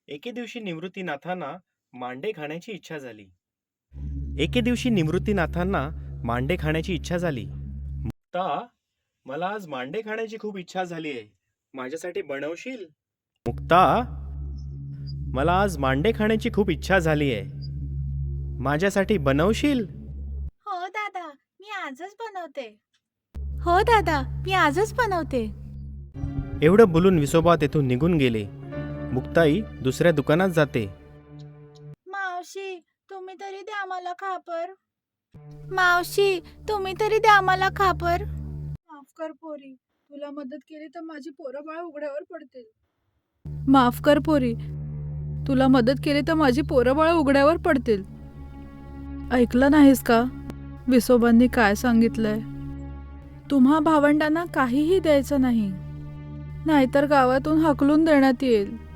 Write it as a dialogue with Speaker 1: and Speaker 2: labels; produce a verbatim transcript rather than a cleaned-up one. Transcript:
Speaker 1: एके दिवशी निवृत्तीनाथांना मांडे खाण्याची इच्छा झाली. एके दिवशी निवृत्तीनाथांना मांडे खाण्याची इच्छा झाली. मुक्ता, मला आज मांडे खाण्याची खूप इच्छा झाली आहे. माझ्यासाठी बनवशील? मुक्ता, मला आज मांडे खाण्याची खूप इच्छा झाली आहे. माझ्यासाठी बनवशील?
Speaker 2: हो दादा, मी आजच बनवते. हो दादा, मी आजच बनवते.
Speaker 1: एवढं बोलून विसोबा तेथून निघून गेले. मुक्ताई दुसऱ्या दुकानात जाते.
Speaker 2: मावशी, तुम्ही तरी द्या मला खापर. मावशी, तुम्ही तरी द्या मला खापर.
Speaker 3: माफ कर पोरी, तुला मदत केली तर माझी पोरं बाळ उघड्यावर पडतील.
Speaker 4: माफ कर पोरी, तुला मदत केली तर माझी पोरं बाळ उघड्यावर पडतील. ऐकलं नाहीस का विसोबांनी काय सांगितलंय? तुम्हा भावंडांना काहीही द्यायचं नाही, नाहीतर गावातून हाकलून देण्यात येईल.